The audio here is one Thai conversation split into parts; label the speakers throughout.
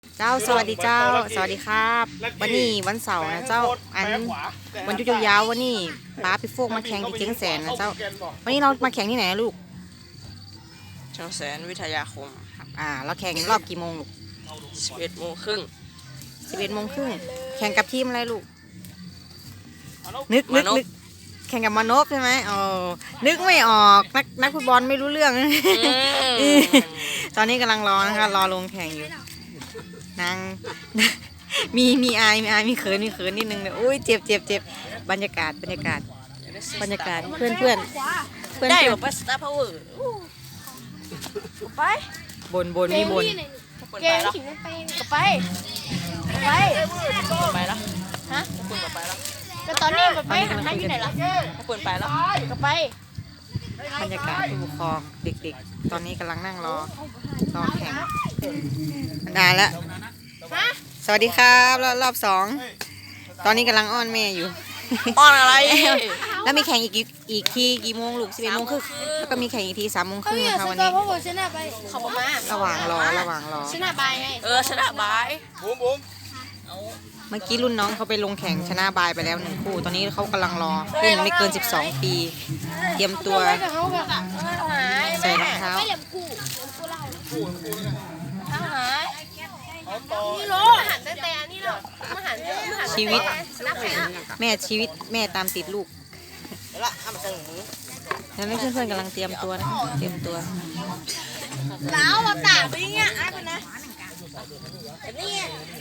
Speaker 1: เจ้าสวัสดีเจ้าสวัสดีครับวันนี้วันเสาร์นะเจ้าอันวันหยุดยาวๆวันนี้ป้าไปโฟกมาแข่งที่เจียงแสนนะเจ้าวันนี้เรามาแข่งที่ไหนนะลูก
Speaker 2: เชียงแสนวิทยาคม
Speaker 1: เราแข่งรอบกี่โมงลูก
Speaker 2: 11:30
Speaker 1: 11:30แข่งกับทีมอะไรลูกนึกแข่งกับมานพใช่ไหมอ๋อนึกไม่ออกนักฟุตบอลไม่รู้เรื่อง ตอนนี้กำลังรอนะคะรอลงแข่งอยู่นางมีอายมีเขินนิดนึงเลยอุ้ยเจ็บบรรยากาศเพื่อน
Speaker 2: ได้แบบว่าสตาร์พาวเวอร์ไป
Speaker 1: บนมีบน
Speaker 2: เกมขิงก็ไปแล้วฮะคุณไปแล้วก็ตอนนี้ไปหันหน้าที่ไหนล่ะคุณไปแล้วก็ไป
Speaker 1: บรรยากาศผู้ปกครองเด็กๆตอนนี้กำลังนั่งรอแข่งนานแล้วสวัสดีครับรอบ2ตอนนี้กำลังอ้อนแม่อยู่
Speaker 2: อ้อนอะไร
Speaker 1: แล้วมีแข่งอีกทีกี่โมงลูก11:30แล้วก็มีแข่งอีกที3:30นะคะวันนี้ระหว่างรอ
Speaker 2: ชนะบายไงชนะบาย
Speaker 3: บุ้ม
Speaker 1: เมื่อกี้รุ่นน้องเขาไปลงแข่งชนะบายไปแล้ว1 คู่ตอนนี้เขากำลังรอรุ่นไม่เกิน12 ปีเตรียมตัวใส่รองเท้าชีวิตแม่ตามติดลูกแล้วเพื่อนๆกำลังเตรียมตัวนะคะเตรียมตัว
Speaker 2: แล้วเราตากไปเงี้ยอะไรนะนี่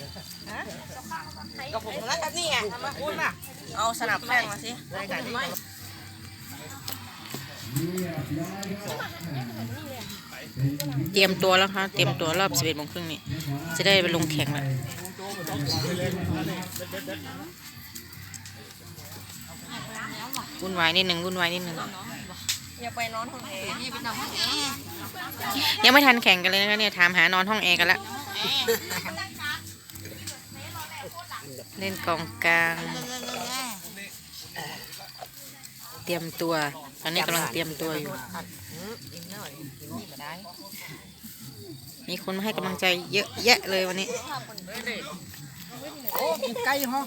Speaker 2: กับผมแล้วกันนี่ไงเอาสนับแป้งมาสิ
Speaker 1: เตรียมตัวแล้วค่ะเตรียมตัวรอบ11:30นี่จะได้ไปลงแข่งแล้ววุ่นวายนิดนึง
Speaker 2: อย่าไปนอนห้องแอร์
Speaker 1: ยังไม่ทันแข่งกันเลยนะคะเนี่ยถามหานอนห้องแอร์กันแล้วเล่นกองกลางเตรียมตัวตอนนี้กำลังเตรียมตัวอยู่มีคนมาให้กำลังใจเยอะแยะเลยวันนี้
Speaker 3: โอ้ไกลฮะ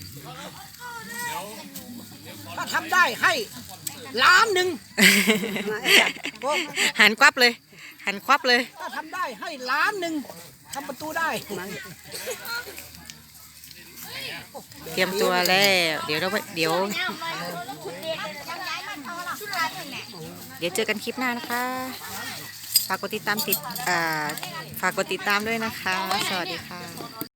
Speaker 3: ถ้าทำได้ให้1,000,000
Speaker 1: หันควับเลย
Speaker 3: ถ้าทำได้ให้1,000,000ทำประตูได้
Speaker 1: เตรียมตัวแล้วเดี๋ยวเจอกันคลิปหน้านะคะฝากกดติดตามด้วยนะคะสวัสดีค่ะ